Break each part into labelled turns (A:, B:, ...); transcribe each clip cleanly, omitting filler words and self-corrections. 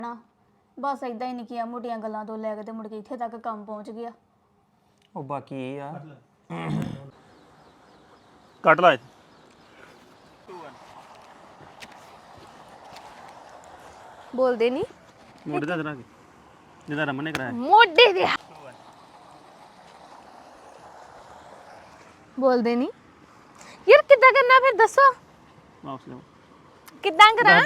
A: ਨਾ ਬਸ ਇਦਾਂ ਹੀ ਨਿੱਕੀਆਂ ਮੋਟੀਆਂ ਗੱਲਾਂ ਤੋਂ ਲੈ ਕੇ ਤੇ ਮੁੜ ਕੇ ਇੱਥੇ ਤੱਕ ਕੰਮ ਪਹੁੰਚ ਗਿਆ।
B: ਉਹ ਬਾਕੀ ਇਹ ਆ ਕੱਟ ਲਾ
A: ਬੋਲਦੇ ਨਹੀਂ
B: ਮੋਢੇ ਦਾ ਜਰਾ ਜਿਹਦਾ ਰਮਨ ਨੇ ਕਰਾਇਆ
A: ਮੋਢੇ ਦੇ ਬੋਲਦੇ ਨਹੀਂ ਯਾਰ ਕਿੱਦਾਂ ਕਰਨਾ ਫਿਰ ਦੱਸੋ
B: ਵਾਪਸ ਲਿਆਓ
A: ਕਿੱਦਾਂ ਕਰਾਂ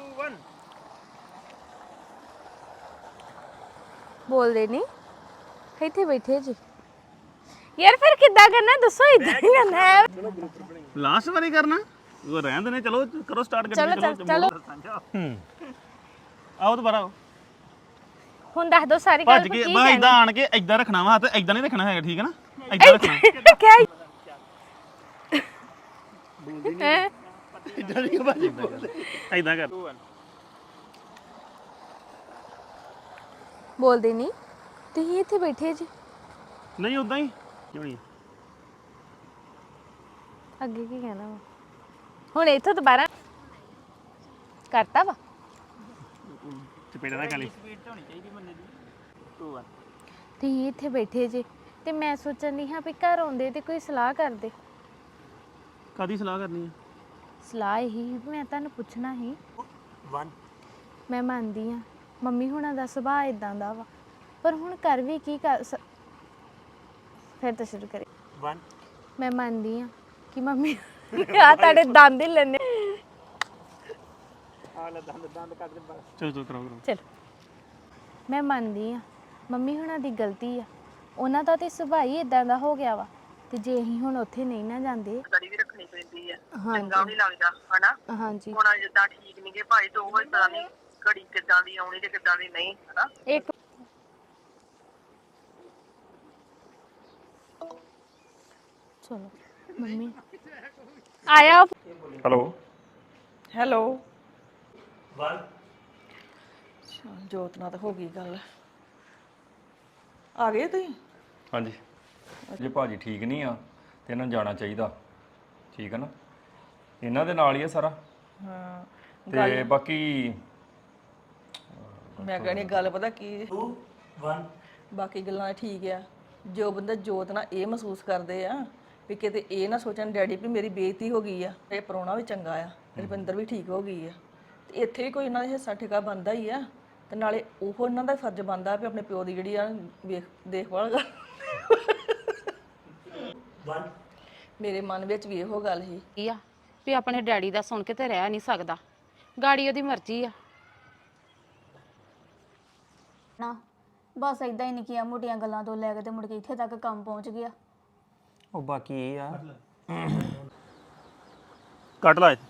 A: ਬੋਲਦੇ ਨਹੀਂ ਇੱਥੇ ਬੈਠੇ ਜੀ ਯਾਰ ਫਿਰ ਕਿੱਦਾਂ ਕਰਨਾ ਦੱਸੋ ਇਦਾਂ ਹੀ ਕਰਨਾ ਹੈ
B: ਲਾਸਟ ਵਾਰੀ ਕਰਨਾ ਉਹ ਰਹਿਣ ਦੇ ਨੇ ਚਲੋ ਕਰੋ ਸਟਾਰਟ
A: ਚਲੋ
B: ਆਓ ਦੁਬਾਰਾ ਆਓ
A: ਹੁਣ ਦੱਸ ਦੋ ਸਾਰੀ ਗੱਲ
B: ਭੱਜ ਕੇ ਬਾ ਇਦਾਂ ਆਣ ਕੇ ਇਦਾਂ ਰੱਖਣਾ ਵਾ ਹੱਥ ਇਦਾਂ ਨਹੀਂ ਰੱਖਣਾ ਹੈਗਾ ਠੀਕ ਹੈ ਨਾ ਇਦਾਂ ਰੱਖਣਾ
A: ਕਿਆ
B: ਇਦਾਂ ਨਹੀਂ ਭਾਜੀ ਇਦਾਂ ਕਰ
A: ਬੋਲਦੇ ਨਹੀਂ ਤੁਸੀਂ ਇੱਥੇ ਬੈਠੇ ਜੀ
B: ਨਹੀਂ ਉਦਾਂ ਹੀ ਕਿਉਂ ਨਹੀਂ
A: ਅੱਗੇ ਕੀ ਕਹਿਣਾ ਵਾ ਹੁਣ ਇੱਥੋਂ ਦੁਬਾਰਾ ਕਰਤਾ ਵਾ
B: ਚਪੇੜਾ ਨਾ ਖਾਲੀ
A: ਤੁਸੀਂ ਇੱਥੇ ਬੈਠੇ ਜੇ ਤੇ ਮੈਂ ਸੋਚਣ ਦੀ ਹਾਂ ਵੀ ਘਰ ਆਉਂਦੇ ਤੇ ਕੋਈ ਸਲਾਹ ਕਰਦੇ
B: ਕਾਦੀ ਸਲਾਹ ਕਰਨੀ ਹੈ
A: ਸਲਾਹ ਇਹੀ ਵੀ ਮੈਂ ਤੁਹਾਨੂੰ ਪੁੱਛਣਾ ਸੀ ਮੈਂ ਮੰਨਦੀ ਹਾਂ ਮੰਮੀ ਹੁਣਾਂ ਦਾ ਸੁਭਾਅ ਇਦਾਂ ਦਾ ਵਾ ਪਰ ਹੁਣ ਕਰ ਵੀ ਕੀ ਕਰ ਫਿਰ ਤਾਂ ਸ਼ੁਰੂ ਕਰੇ ਮੈਂ ਮੰਨਦੀ ਹਾਂ ਕਿ ਮੰਮੀ ਆ ਤੁਹਾਡੇ ਦੰਦ ਹੀ ਲੈਣੇ
B: ਚਲੋ ਕਰਾਓ
A: ਚਲੋ ਮੈਂ ਮੰਨਦੀ ਹਾਂ ਮੰਮੀ ਹੁਣਾਂ ਦੀ ਗਲਤੀ ਆ ਉਹਨਾਂ ਦਾ ਤੇ ਸੁਭਾਅ ਹੀ ਇਦਾਂ ਦਾ ਹੋ ਗਿਆ ਵਾ ਤੇ ਜੇ ਅਸੀਂ ਹੁਣ ਉੱਥੇ ਨਹੀਂ ਨਾ ਜਾਂਦੇ
C: ਕੜੀ ਵੀ ਰੱਖਣੀ ਪੈਂਦੀ ਆ ਚੰਗਾ ਨਹੀਂ ਲੱਗਦਾ ਹਨਾ
A: ਹਾਂਜੀ
C: ਹੁਣ ਜਿੱਦਾਂ ਠੀਕ ਨਹੀਂਗੇ ਭਾਈ ਤੋਂ ਉਹ ਪਤਾ ਨਹੀਂ ਘੜੀ ਕਿੱਦਾਂ ਦੀ ਆਉਣੀ ਤੇ ਕਿੱਦਾਂ ਦੀ ਨਹੀਂ ਹਨਾ
A: ਇੱਕ ਚਲੋ ਮੰਮੀ ਆਇਆ
B: ਹੈਲੋ
D: ਹੈਲੋ ਜੋਤ ਨਾਲ ਤਾਂ ਹੋ ਗਈ ਗੱਲ ਆ ਗਏ ਤੁਸੀਂ
E: ਹਾਂਜੀ ਜੇ ਭਾਜੀ ਠੀਕ ਨਹੀਂ ਆ ਤੇ ਇਹਨਾਂ ਨੂੰ ਜਾਣਾ ਚਾਹੀਦਾ ਠੀਕ ਹੈ ਨਾ ਇਹਨਾਂ ਦੇ ਨਾਲ ਹੀ ਆ ਸਾਰਾ
D: ਹਾਂ
E: ਤੇ ਬਾਕੀ
D: ਮੈਂ ਕਹਿੰਦੀ ਗੱਲ ਪਤਾ ਕੀ 2 1 ਬਾਕੀ ਗੱਲਾਂ ਠੀਕ ਆ ਜੋ ਬੰਦਾ ਜੋਤ ਨਾਲ ਇਹ ਮਹਿਸੂਸ ਕਰਦੇ ਆ ਵੀ ਕਿਤੇ ਇਹ ਨਾ ਸੋਚਣ ਡੈਡੀ ਵੀ ਮੇਰੀ ਬੇਇੱਜ਼ਤੀ ਹੋ ਗਈ ਆ ਇਹ ਪ੍ਰਾਹੁਣਾ ਵੀ ਚੰਗਾ ਆ ਰਵਿੰਦਰ ਵੀ ਠੀਕ ਹੋ ਗਈ ਆ ਤੇ ਇੱਥੇ ਵੀ ਕੋਈ ਇਹਨਾਂ ਦਾ ਹਿੱਸਾ ਠੇਕਾ ਬਣਦਾ ਹੀ ਆ ਤੇ ਨਾਲੇ ਉਹ ਇਹਨਾਂ ਦਾ ਫਰਜ਼ ਬਣਦਾ ਵੀ ਆਪਣੇ ਪਿਓ ਦੀ ਜਿਹੜੀ ਆ ਦੇਖਭਾਲ ਕਰ ਮੇਰੇ ਮਨ ਵਿੱਚ ਵੀ ਇਹੋ ਗੱਲ ਸੀ
F: ਕੀ ਆ ਵੀ ਆਪਣੇ ਡੈਡੀ ਦਾ ਸੁਣ ਕੇ ਤੇ ਰਹਿ ਨਹੀਂ ਸਕਦਾ ਗਾੜੀ ਉਹਦੀ ਮਰਜ਼ੀ ਆ
A: ਨਾ ਬਸ ਇਦਾਂ ਹੀ ਨਿੱਕੀਆਂ ਮੋਟੀਆਂ ਗੱਲਾਂ ਤੋਂ ਲੈ ਕੇ ਤੇ ਮੁੜ ਕੇ ਇੱਥੇ ਤੱਕ ਕੰਮ ਪਹੁੰਚ ਗਿਆ।
B: ਉਹ ਬਾਕੀ ਇਹ ਆ ਕੱਟ ਲਾ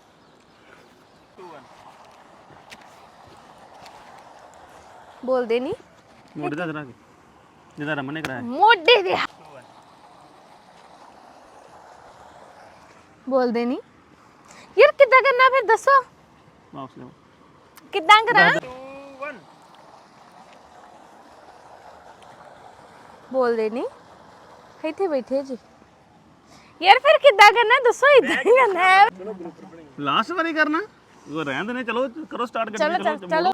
A: ਬੋਲਦੇ ਨਹੀਂ
B: ਮੋਢੇ ਦਾ ਜਰਾ ਜਿਹਦਾ ਰਮਨ ਨੇ ਕਰਾਇਆ
A: ਮੋਢੇ ਦੇ ਬੋਲਦੇ ਨਹੀਂ ਯਾਰ ਕਿੱਦਾਂ ਕਰਨਾ ਫਿਰ ਦੱਸੋ
B: ਵਾਪਸ ਲਿਆਓ
A: ਕਿੱਦਾਂ ਕਰਾਂ ਬੋਲਦੇ ਨਹੀਂ ਇੱਥੇ ਬੈਠੇ ਜੀ ਯਾਰ ਫਿਰ ਕਿੱਦਾਂ ਕਰਨਾ ਦੱਸੋ ਇਦਾਂ ਹੀ ਕਰਨਾ ਹੈ
B: ਲਾਸਟ ਵਾਰੀ ਕਰਨਾ ਉਹ ਰਹਿਣ ਦੇ ਨੇ ਚਲੋ ਕਰੋ ਸਟਾਰਟ
A: ਚਲੋ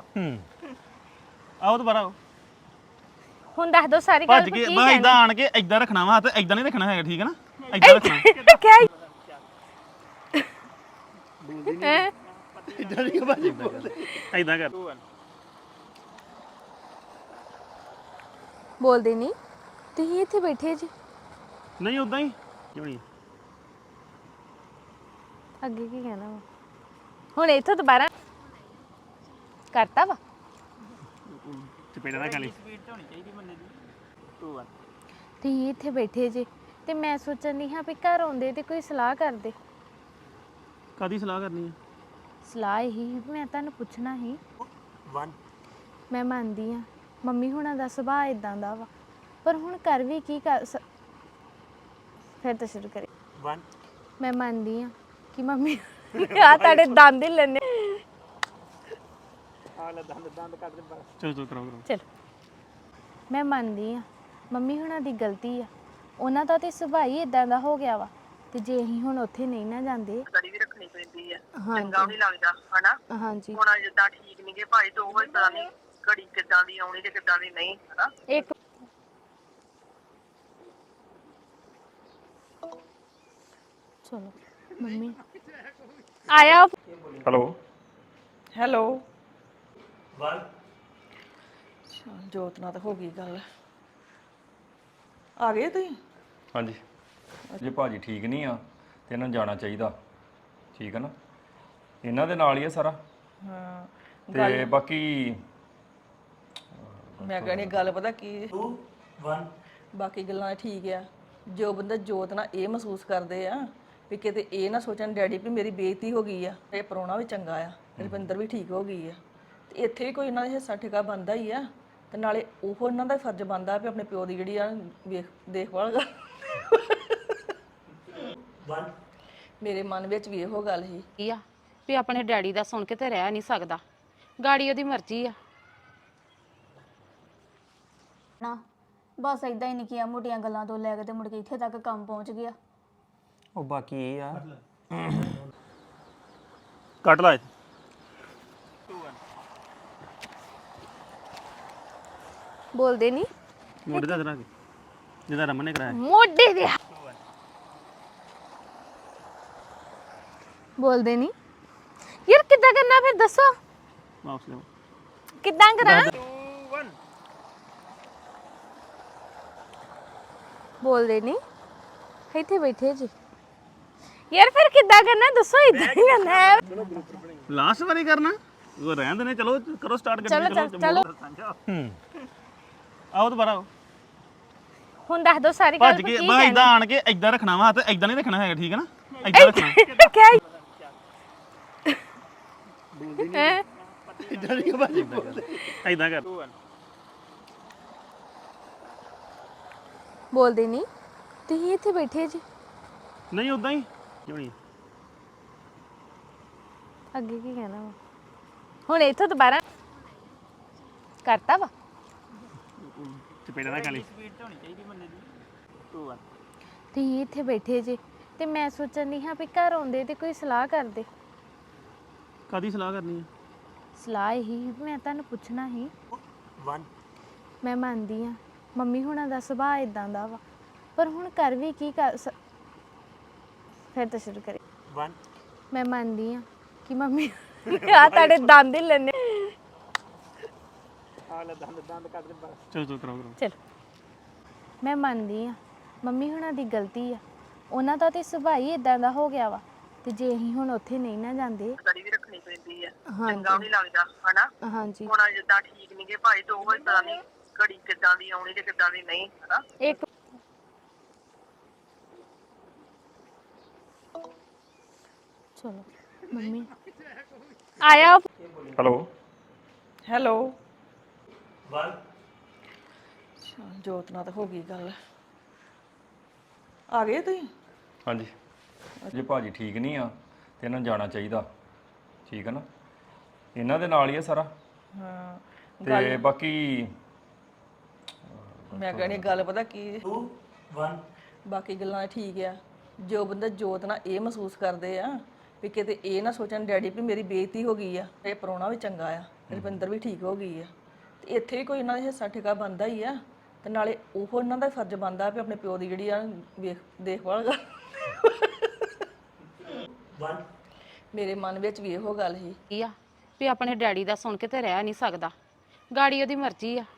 B: ਆਓ ਦੁਬਾਰਾ ਆਓ
A: ਹੁਣ ਦੱਸ ਦੋ ਸਾਰੀ ਗੱਲ
B: ਭੱਜ ਕੇ ਬਾ ਇਦਾਂ ਆਣ ਕੇ ਇਦਾਂ ਰੱਖਣਾ ਵਾ ਹੱਥ ਇਦਾਂ ਨਹੀਂ ਰੱਖਣਾ ਹੈਗਾ ਠੀਕ ਹੈ ਨਾ ਇਦਾਂ ਰੱਖਣਾ
A: ਕਿਆ
B: ਇਦਾਂ ਨਹੀਂ ਭਾਜੀ ਇਦਾਂ ਕਰ
A: ਬੋਲਦੇ ਨਹੀਂ ਤੁਸੀਂ ਇੱਥੇ ਬੈਠੇ ਜੀ
B: ਨਹੀਂ ਉਦਾਂ ਹੀ ਕਿਉਂ ਨਹੀਂ
A: ਅੱਗੇ ਕੀ ਕਹਿਣਾ ਵਾ ਹੁਣ ਇੱਥੋਂ ਦੁਬਾਰਾ ਕਰਤਾ ਵਾ
B: ਚਪੇੜਾ ਨਾ ਖਾਲੀ
A: ਤੁਸੀਂ ਇੱਥੇ ਬੈਠੇ ਜੇ ਤੇ ਮੈਂ ਸੋਚਣ ਦੀ ਹਾਂ ਵੀ ਘਰ ਆਉਂਦੇ ਤੇ ਕੋਈ ਸਲਾਹ ਕਰਦੇ
B: ਕਾਦੀ ਸਲਾਹ ਕਰਨੀ ਹੈ
A: ਸਲਾਹ ਇਹੀ ਵੀ ਮੈਂ ਤੁਹਾਨੂੰ ਪੁੱਛਣਾ ਸੀ ਮੈਂ ਮੰਨਦੀ ਹਾਂ ਮੰਮੀ ਹੁਣਾਂ ਦਾ ਸੁਭਾਅ ਇਦਾਂ ਦਾ ਵਾ ਪਰ ਹੁਣ ਕਰ ਵੀ ਕੀ ਕਰ ਫਿਰ ਤਾਂ ਸ਼ੁਰੂ ਕਰੇ ਮੈਂ ਮੰਨਦੀ ਹਾਂ ਕਿ ਮੰਮੀ ਆ ਤੁਹਾਡੇ ਦੰਦ ਹੀ ਲੈਣੇ
B: ਚਲੋ ਕਰਾਓ
A: ਚਲੋ ਮੈਂ ਮੰਨਦੀ ਹਾਂ ਮੰਮੀ ਹੁਣਾਂ ਦੀ ਗਲਤੀ ਆ ਉਹਨਾਂ ਦਾ ਤੇ ਸੁਭਾਅ ਹੀ ਇਦਾਂ ਦਾ ਹੋ ਗਿਆ ਵਾ ਤੇ ਜੇ ਅਸੀਂ ਹੁਣ ਉੱਥੇ ਨਹੀਂ ਨਾ ਜਾਂਦੇ
C: ਕੜੀ ਵੀ ਰੱਖਣੀ ਪੈਂਦੀ ਆ
A: ਹਾਂਜੀ।
C: ਚੰਗਾ ਨਹੀਂ ਲੱਗਦਾ ਹਨਾ
A: ਹਾਂਜੀ
C: ਹੁਣ ਜਿੱਦਾਂ ਠੀਕ ਨਹੀਂਗੇ ਭਾਈ ਤੇ ਉਹ ਹੀ ਪਤਾ ਨਹੀਂ ਘੜੀ ਕਿੱਦਾਂ ਦੀ ਆਉਣੀ ਤੇ ਕਿੱਦਾਂ ਦੀ ਨਹੀਂ ਹਨਾ
A: ਇੱਕ ਚਲੋ ਮੰਮੀ ਆਇਆ
E: ਹੈਲੋ
D: ਹੈਲੋ ਜੋਤ ਨਾਲ ਤਾਂ ਹੋ ਗਈ ਗੱਲ ਆ ਗਏ ਤੁਸੀਂ
E: ਹਾਂਜੀ ਜੇ ਭਾਜੀ ਠੀਕ ਨਹੀਂ ਆ ਤੇ ਇਹਨਾਂ ਨੂੰ ਜਾਣਾ ਚਾਹੀਦਾ ਠੀਕ ਹੈ ਨਾ ਇਹਨਾਂ ਦੇ ਨਾਲ ਹੀ ਆ ਸਾਰਾ
D: ਹਾਂ
E: ਤੇ ਬਾਕੀ
D: ਮੈਂ ਕਹਿੰਦੀ ਗੱਲ ਪਤਾ ਕੀ 2 1 ਬਾਕੀ ਗੱਲਾਂ ਠੀਕ ਆ ਜੋ ਬੰਦਾ ਜੋਤ ਨਾਲ ਇਹ ਮਹਿਸੂਸ ਕਰਦੇ ਆ ਵੀ ਕਿਤੇ ਇਹ ਨਾ ਸੋਚਣ ਡੈਡੀ ਵੀ ਮੇਰੀ ਬੇਇੱਜ਼ਤੀ ਹੋ ਗਈ ਆ ਇਹ ਪ੍ਰਾਹੁਣਾ ਵੀ ਚੰਗਾ ਆ ਰਵਿੰਦਰ ਵੀ ਠੀਕ ਹੋ ਗਈ ਆ ਤੇ ਇੱਥੇ ਵੀ ਕੋਈ ਇਹਨਾਂ ਦਾ ਹਿੱਸਾ ਠੇਕਾ ਬਣਦਾ ਹੀ ਆ ਤੇ ਨਾਲੇ ਉਹ ਇਹਨਾਂ ਦਾ ਫਰਜ਼ ਬਣਦਾ ਵੀ ਆਪਣੇ ਪਿਓ ਦੀ ਜਿਹੜੀ ਆ ਦੇਖਭਾਲ ਕਰ ਮੇਰੇ ਮਨ ਵਿੱਚ ਵੀ ਇਹੋ ਗੱਲ ਸੀ
F: ਕੀ ਆ ਵੀ ਆਪਣੇ ਡੈਡੀ ਦਾ ਸੁਣ ਕੇ ਤੇ ਰਹਿ ਨਹੀਂ ਸਕਦਾ ਗਾੜੀ ਉਹਦੀ ਮਰਜ਼ੀ ਆ
G: ਨਾ ਬਸ ਇਦਾਂ ਹੀ ਨਿੱਕੀਆਂ ਮੋਟੀਆਂ ਗੱਲਾਂ ਤੋਂ ਲੈ ਕੇ ਤੇ ਮੁੜ ਕੇ ਇੱਥੇ ਤੱਕ ਕੰਮ ਪਹੁੰਚ ਗਿਆ
H: ਉਹ ਬਾਕੀ ਇਹ ਆ
B: ਕੱਟ ਲਾ ਇੱਥੇ।
A: ਬੋਲਦੇ ਨਹੀਂ
B: ਮੋਢੇ ਦਾ ਕਰਾ ਕੇ ਜਿਹਦਾ ਰਮਨ ਨੇ ਕਰਾਇਆ
A: ਮੋਢੇ ਦੇ ਬੋਲਦੇ ਨਹੀਂ ਯਾਰ ਕਿੱਦਾਂ ਕਰਨਾ ਫਿਰ ਦੱਸੋ
B: ਵਾਪਸ ਲਿਆਓ
A: ਕਿੱਦਾਂ ਕਰਾਂ ਬੋਲਦੇ ਨਹੀਂ ਇੱਥੇ ਬੈਠੇ ਜੀ ਯਾਰ ਫਿਰ ਕਿੱਦਾਂ ਕਰਨਾ ਦੱਸੋ ਇਦਾਂ ਹੀ ਕਰਨਾ ਹੈ
B: ਲਾਸਟ ਵਾਰੀ ਕਰਨਾ ਉਹ ਰਹਿਣ ਦੇ ਨੇ ਚਲੋ ਕਰੋ ਸਟਾਰਟ
A: ਚਲੋ
B: ਆਓ ਦੁਬਾਰਾ ਆਓ
A: ਹੁਣ ਦੱਸ ਦੋ ਸਾਰੀ ਗੱਲ
B: ਭੱਜ ਕੇ ਬਸ ਇਦਾਂ ਆਣ ਕੇ ਇਦਾਂ ਰੱਖਣਾ ਵਾ ਹੱਥ ਇਦਾਂ ਨਹੀਂ ਰੱਖਣਾ ਹੈਗਾ ਠੀਕ ਹੈ ਨਾ ਇਦਾਂ ਰੱਖਣਾ
A: ਕਿਆ
B: ਇਦਾਂ ਕਰ
A: ਬੋਲਦੇ ਨਹੀਂ ਤੁਸੀਂ ਇੱਥੇ ਬੈਠੇ ਜੀ
B: ਨਹੀਂ ਉਦਾਂ ਹੀ ਕਿਉਂ ਨਹੀਂ
A: ਅੱਗੇ ਕੀ ਕਹਿਣਾ ਵਾ ਹੁਣ ਇੱਥੋਂ ਦੁਬਾਰਾ ਕਰਤਾ ਵਾ
B: ਚਪੇੜਾ ਨਾ ਖਾਲੀ
A: ਤੁਸੀਂ ਇੱਥੇ ਬੈਠੇ ਜੇ ਤੇ ਮੈਂ ਸੋਚਣ ਦੀ ਹਾਂ ਵੀ ਘਰ ਆਉਂਦੇ ਤੇ ਕੋਈ ਸਲਾਹ ਕਰਦੇ
B: ਕਾਦੀ ਸਲਾਹ ਕਰਨੀ ਹੈ
A: ਸਲਾਹ ਇਹੀ ਸੀ, ਮੈਂ ਤੁਹਾਨੂੰ ਪੁੱਛਣਾ ਸੀ ਮੈਂ ਮੰਨਦੀ ਆ ਮੰਮੀ ਹੁਣਾਂ ਦਾ ਸੁਭਾਅ ਇਦਾਂ ਦਾ ਵਾ ਪਰ ਹੁਣ ਕਰ ਵੀ ਕੀ ਕਰ ਫਿਰ ਤਾਂ ਸ਼ੁਰੂ ਕਰੇ ਮੈਂ ਮੰਨਦੀ ਆ ਕਿ ਮੰਮੀ ਆ ਤੁਹਾਡੇ ਦੰਦ ਹੀ ਲੈਣੇ
B: ਚਲੋ ਕਰਾਓ
A: ਚਲੋ ਮੈਂ ਮੰਨਦੀ ਆ ਮੰਮੀ ਹੁਣਾਂ ਦੀ ਗਲਤੀ ਆ ਉਹਨਾਂ ਦਾ ਤੇ ਸੁਭਾਅ ਹੀ ਇਦਾਂ ਦਾ ਹੋ ਗਿਆ ਵਾ ਤੇ ਜੇ ਅਸੀਂ ਹੁਣ ਉੱਥੇ ਨਹੀਂ ਨਾ ਜਾਂਦੇ
C: ਗੜੀ ਵੀ ਰੱਖਣੀ ਪੈਂਦੀ ਆ ਚੰਗਾ ਨਹੀਂ ਲੱਗਦਾ ਹਨਾ
A: ਹਾਂਜੀ
C: ਹੁਣ ਜਿੱਦਾਂ ਠੀਕ ਨਹੀਂਗੇ ਭਾਈ ਤੇ ਉਹ ਹੀ ਪਤਾ ਨਹੀਂ ਘੜੀ ਕਿੱਦਾਂ ਦੀ ਆਉਣੀ ਤੇ ਕਿੱਦਾਂ ਦੀ ਨਹੀਂ ਹਨਾ
A: ਇੱਕ ਚਲੋ ਮੰਮੀ ਆਇਆ
E: ਹੈਲੋ
D: ਹੈਲੋ ਜੋਤ ਨਾਲ ਤਾਂ ਹੋ ਗਈ ਗੱਲ ਆ ਗਏ ਤੁਸੀਂ
E: ਹਾਂਜੀ ਜੇ ਭਾਜੀ ਠੀਕ ਨਹੀਂ ਆ ਤੇ ਇਹਨਾਂ ਨੂੰ ਜਾਣਾ ਚਾਹੀਦਾ ਠੀਕ ਹੈ ਨਾ ਇਹਨਾਂ ਦੇ ਨਾਲ ਹੀ ਆ ਸਾਰਾ
D: ਹਾਂ
E: ਤੇ ਬਾਕੀ
D: ਮੈਂ ਕਹਿੰਦੀ ਗੱਲ ਪਤਾ ਕੀ 2 1 ਬਾਕੀ ਗੱਲਾਂ ਠੀਕ ਆ ਜੋ ਬੰਦਾ ਜੋਤ ਨਾਲ ਇਹ ਮਹਿਸੂਸ ਕਰਦੇ ਆ ਵੀ ਕਿਤੇ ਇਹ ਨਾ ਸੋਚਣ ਡੈਡੀ ਵੀ ਮੇਰੀ ਬੇਇੱਜ਼ਤੀ ਹੋ ਗਈ ਆ ਇਹ ਪ੍ਰਾਹੁਣਾ ਵੀ ਚੰਗਾ ਆ ਰਵਿੰਦਰ ਵੀ ਠੀਕ ਹੋ ਗਈ ਆ ਤੇ ਇੱਥੇ ਵੀ ਕੋਈ ਇਹਨਾਂ ਦਾ ਹਿੱਸਾ ਠੇਕਾ ਬਣਦਾ ਹੀ ਆ ਤੇ ਨਾਲੇ ਉਹ ਇਹਨਾਂ ਦਾ ਫਰਜ਼ ਬਣਦਾ ਵੀ ਆਪਣੇ ਪਿਓ ਦੀ ਜਿਹੜੀ ਆ ਦੇਖਭਾਲ ਕਰ ਮੇਰੇ ਮਨ ਵਿੱਚ ਵੀ ਇਹੋ ਗੱਲ ਸੀ
F: ਕੀ ਆ ਵੀ ਆਪਣੇ ਡੈਡੀ ਦਾ ਸੁਣ ਕੇ ਤੇ ਰਹਿ ਨਹੀਂ ਸਕਦਾ ਗਾੜੀ ਉਹਦੀ ਮਰਜ਼ੀ ਆ